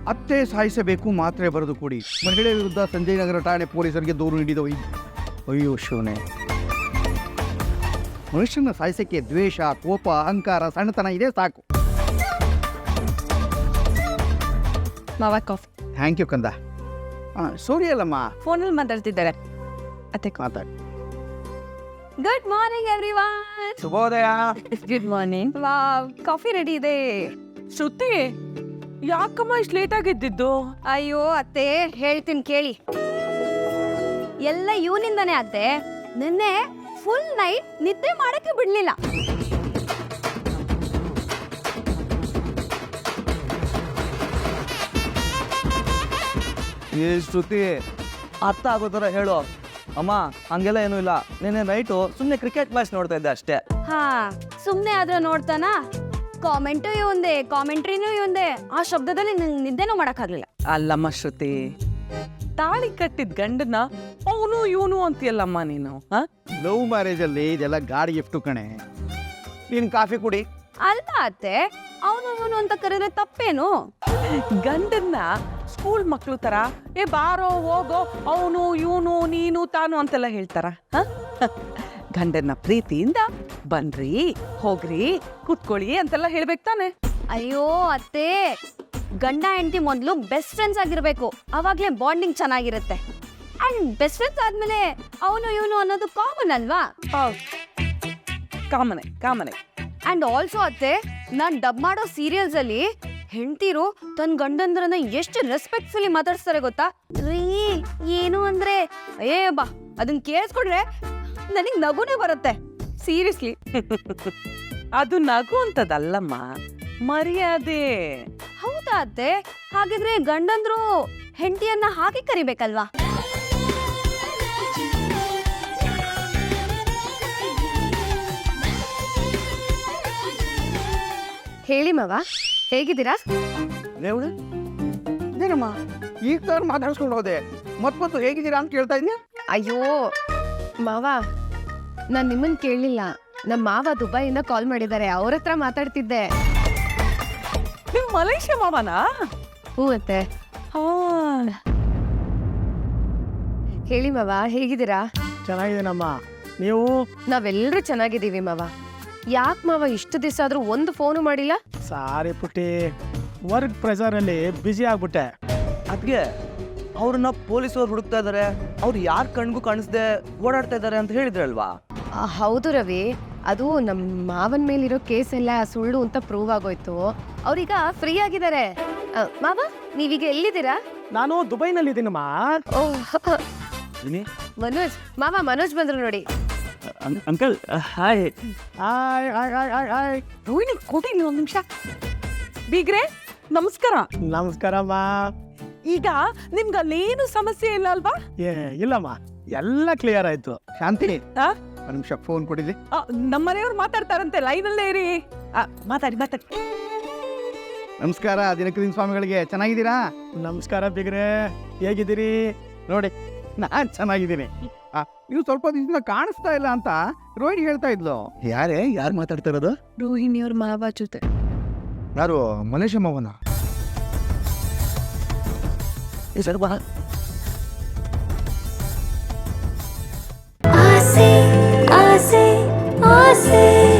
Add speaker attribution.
Speaker 1: ಅತ್ತೆ ಸಾಯಿಸಬೇಕು ಮಾತ್ರೆ ಬರೆದು ಕೊಡಿ. ಮಹಿಳೆ ವಿರುದ್ಧ ಸಂಜಯ್ ನಗರ ಠಾಣೆ ಪೊಲೀಸರಿಗೆ ದೂರು ನೀಡಿದ ಅಯ್ಯೋ ಶಿವನೇ. ಮನುಷ್ಯನ ಸಾಯಿಸಕ್ಕೆ ದ್ವೇಷ, ಕೋಪ, ಅಹಂಕಾರ, ಸಣ್ಣತನ ಇದೆ ಸಾಕು.
Speaker 2: ಮಾವ ಕಾಫಿ.
Speaker 1: ಥ್ಯಾಂಕ್ ಯು ಕಂದ. ಸೂರ್ಯ ಅಲ್ಲಮ್ಮ,
Speaker 2: ಫೋನಲ್ಲಿ ಮಾತಾಡ್ತಿದ್ದಾರೆ. ಅತ್ತೆ
Speaker 1: ಮಾತಾಡಿ.
Speaker 2: Good morning everyone.
Speaker 1: ಶುಭೋದಯ.
Speaker 2: Good morning. Wow, coffee ready ಇದೆ.
Speaker 3: ಶ್ರುತಿ, ಯಾಕಮ್ಮ ಇಷ್ಟು ಲೇಟ್ ಆಗಿದ್ದಿದ್ದು?
Speaker 2: ಅಯ್ಯೋ ಅತ್ತೆ, ಹೇಳ್ತೀನಿ ಕೇಳಿ. ಎಲ್ಲ ಇವನಿಂದಾನೇ ಅತ್ತೆ. ನಿನ್ನೆ ಫುಲ್ ನೈಟ್ ನಿದ್ದೆ ಮಾಡಕ್ಕೆ ಬಿಡ್ಲಿಲ್ಲ.
Speaker 4: ಏ ಶ್ರುತಿ, ಅರ್ಥ ಆಗೋ ಥರ ಹೇಳು. ಅಮ್ಮ ಹಂಗೆಲ್ಲ ಏನೂ ಇಲ್ಲ. ನೆನ್ನೆ ನೈಟು ಸುಮ್ಮನೆ ಕ್ರಿಕೆಟ್ ಮ್ಯಾಚ್ ನೋಡ್ತಾ ಇದ್ದೆ ಅಷ್ಟೇ.
Speaker 2: ಹಾ, ಸುಮ್ಮನೆ ಆದ್ರೆ ನೋಡ್ತಾನ. ಕಾಮೆಂಟು ಇವಂದೆ, ಕಾಮೆಂಟ್ರಿನೂ ಇವಂದೆ. ಆ ಶಬ್ದದಲ್ಲಿ ನಂಗೆ ನಿದ್ದೆನೂ ಮಾಡೋಕ್ಕಾಗಲಿಲ್ಲ.
Speaker 3: ಅಲ್ಲಮ್ಮ ಶ್ರುತಿ, ತಾಳಿ ಕಟ್ಟಿದ ಗಂಡನ ಅವನು ಇವನು ಅಂತೀಯಲ್ಲಮ್ಮ ನೀನು.
Speaker 1: ಲವ್ ಮ್ಯಾರೇಜ್ ಅಲ್ಲಿ ಇದೆಲ್ಲ ಗಾಡಿ ಗಿಫ್ಟು ಕಣೆ. ನೀನು ಕಾಫಿ ಕುಡಿ.
Speaker 2: ಅಲ್ಲ ಅತ್ತೆ, ಅವನು ಇವನು ಅಂತ ಕರೆದ್ರೆ ತಪ್ಪೇನು?
Speaker 3: ಗಂಡನ್ನ ಸ್ಕೂಲ್ ಮಕ್ಳು ತರ ಏ ಬಾರೋ ಹೋಗೋ ಅವನು ಇವನು ನೀನು ತಾನು ಅಂತೆಲ್ಲ ಹೇಳ್ತಾರ? ಗಂಡನ್ನ ಪ್ರೀತಿಯಿಂದ ಬನ್ರಿ ಹೋಗ್ರಿ ಕೂತ್ಕೊಳ್ಳಿ ಅಂತೆಲ್ಲ ಹೇಳ್ಬೇಕು ತಾನೆ.
Speaker 2: ಅಯ್ಯೋ ಅತ್ತೆ, ಗಂಡ ಹೆಂಡತಿ ಮೊದಲು ಬೆಸ್ಟ್ ಫ್ರೆಂಡ್ಸ್ ಆಗಿರ್ಬೇಕು. ಅವಾಗ್ಲೇ ಬಾಂಡಿಂಗ್ ಚೆನ್ನಾಗಿರುತ್ತೆ. ಅಂಡ್ ಬೆಸ್ಟ್ ಫ್ರೆಂಡ್ಸ್ ಆದ್ಮೇಲೆ ಅವನು ಇವನು ಅನ್ನೋದು ಕಾಮನ್ ಅಲ್ವಾ?
Speaker 3: ಕಾಮನೆ ಕಾಮನೆ.
Speaker 2: ಅಂಡ್ ಆಲ್ಸೋ ಅತ್ತೆ, ನಾನ್ ಡಬ್ ಮಾಡೋ ಸೀರಿಯಲ್ಸ್ ಅಲ್ಲಿ ಹೆಂಡತಿರು ತನ್ನ ಗಂಡಂದ್ರನ್ನ ಎಷ್ಟು ರೆಸ್ಪೆಕ್ಟ್ಫುಲಿ ಮಾತಾಡ್ಸ್ತಾರೆ ಗೊತ್ತಾ? ರೀ ಏನು ಅಂದ್ರೆ ಏ ಬಾ, ಅದನ್ನ ಕೇಳಿಸ್ಕೊಂಡ್ರೆ ನನಗ್ ನಗುನೇ ಬರುತ್ತೆ.
Speaker 3: ಸೀರಿಯಸ್ಲಿ. ಅದು ನಗು ಅಂತದಲ್ಲಮ್ಮ, ಮರ್ಯಾದೆ.
Speaker 2: ಹೌದಾ ಅತ್ತೆ? ಹಾಗಿದ್ರೆ ಗಂಡಂದ್ರು ಹೆಂಡತಿಯನ್ನ ಹಾಗೆ ಕರಿಬೇಕಲ್ವಾ? ಹೇಳಿ ಮಾವ, ಹೇಗಿದ್ದೀರಾ?
Speaker 1: ಇದೇನಮ್ಮ ಈಗ ತಾನು ಮಾತಾಡ್ಸ್ಕೊಂಡು ಹೋದೆ. ಮತ್ತೊಂದು ಹೇಗಿದ್ದೀರಾ ಅಂತ ಕೇಳ್ತಾ ಇದ್ಯಾ?
Speaker 5: ಅಯ್ಯೋ ಮಾವ, ನಾನ್ ನಿಮ್ಮನ್ ಕೇಳಲಿಲ್ಲ. ನಮ್ಮ ಮಾವ ದುಬೈಯಿಂದ ಕಾಲ್ ಮಾಡಿದ್ದಾರೆ, ಅವ್ರ ಹತ್ರ ಮಾತಾಡ್ತಿದ್ದೆ.
Speaker 3: ನೀವು ಮಲೇಷ್ಯಾ ಮಾವನಾ?
Speaker 5: ಹ್ಞೂ ಅತ್ತೆ. ಹೇಳಿ ಮಾವ, ಹೇಗಿದ್ದೀರಾ?
Speaker 6: ಚೆನ್ನಾಗಿದ್ದೀನಮ್ಮ, ನೀವು?
Speaker 5: ನಾವೆಲ್ಲರೂ ಚೆನ್ನಾಗಿದ್ದೀವಿ ಮಾವ. ಯಾಕೆ ಮಾವ ಇಷ್ಟು ದಿವಸ ಆದ್ರೂ ಒಂದು ಫೋನು ಮಾಡಿಲ್ಲ?
Speaker 6: ಸಾರಿ ಪುಟ್ಟಿ, ವರ್ಕ್ ಪ್ರೆಷರಲ್ಲಿ ಬ್ಯುಸಿ ಆಗ್ಬಿಟ್ಟೆ.
Speaker 4: ಅದಕ್ಕೆ ಅವ್ರನ್ನ ಪೊಲೀಸವ್ರು ಹುಡುಕ್ತಾ ಇದ್ದಾರೆ. ಅವ್ರು ಯಾರ ಕಣ್ಗೂ ಕಾಣಿಸ್ದೆ ಓಡಾಡ್ತಾ ಇದ್ದಾರೆ ಅಂತ ಹೇಳಿದ್ರಲ್ವಾ?
Speaker 5: ಹೌದು ರವಿ, ಅದು ನಮ್ಮ ಮಾವನ ಮೇಲಿರೋ ಕೇಸ್ ಎಲ್ಲ ಸುಳ್ಳು ಅಂತ ಪ್ರೂವ್ ಆಗೋಯ್ತು. ಅವ್ರೀಗ ಫ್ರೀ ಆಗಿದ್ದಾರೆ. ಮಾವ, ನೀವೀಗ ಎಲ್ಲಿದ್ದೀರಾ?
Speaker 6: ನಾನು ದುಬೈನಲ್ಲಿದ್ದೀನಮ್ಮ.
Speaker 5: ಮನೋಜ್ ಮಾವ, ಮನೋಜ್ ಬಂದ್ರು ನೋಡಿ.
Speaker 4: Uncle hi.
Speaker 6: Hi hi hi hi hi.
Speaker 3: Rohini ಕೊಡಿ ಒಂದು ನಿಮಿಷ. ಬೀಗ್ರೆ ನಮಸ್ಕಾರ.
Speaker 6: ನಮಸ್ಕಾರಮ್ಮ.
Speaker 3: ಈಗ ನಿಮ್ಗೆ ಅಲ್ಲೇನು ಸಮಸ್ಯೆ ಇಲ್ಲ ಅಲ್ವಾ?
Speaker 6: ಇಲ್ಲಮ್ಮ, ಎಲ್ಲ ಕ್ಲಿಯರ್ ಆಯ್ತು.
Speaker 1: ಶಾಂತಿ,
Speaker 3: ಆ?
Speaker 1: ಒಂದು ನಿಮಿಷ ಫೋನ್ ಕೊಡಿಲಿ.
Speaker 3: ನಮ್ಮನೆಯವ್ರು ಮಾತಾಡ್ತಾರಂತೆ, ಲೈನಲ್ಲೇ ಇರಿ. ಮಾತಾಡಿ ಮಾತಾಡಿ.
Speaker 1: ನಮಸ್ಕಾರ ದಿನಕರಿನ್ ಸ್ವಾಮಿಗಳಿಗೆ. ಚೆನ್ನಾಗಿದ್ದೀರಾ?
Speaker 6: ನಮಸ್ಕಾರ ಬಿಗ್ರೆ, ಹೇಗಿದ್ದೀರಿ?
Speaker 1: ನೋಡಿ, ನಾನು ಚೆನ್ನಾಗಿದ್ದೀನಿ. ನೀವು ಸ್ವಲ್ಪ ದಿವಸದಿಂದ ಕಾಣಿಸ್ತಾ ಇಲ್ಲ ಅಂತ ರೋಹಿಣಿ ಹೇಳ್ತಾ ಇದ್ಲು. ಯಾರು ಮಾತಾಡ್ತಾ ಇರೋದು?
Speaker 5: ರೋಹಿಣಿಯವ್ರ ಮಾವ ಜೊತೆ.
Speaker 1: ಯಾರು? ಮಲೇಶ ಮಾವನ?
Speaker 7: ಆಸೆ ಆಸೆ ಆಸೆ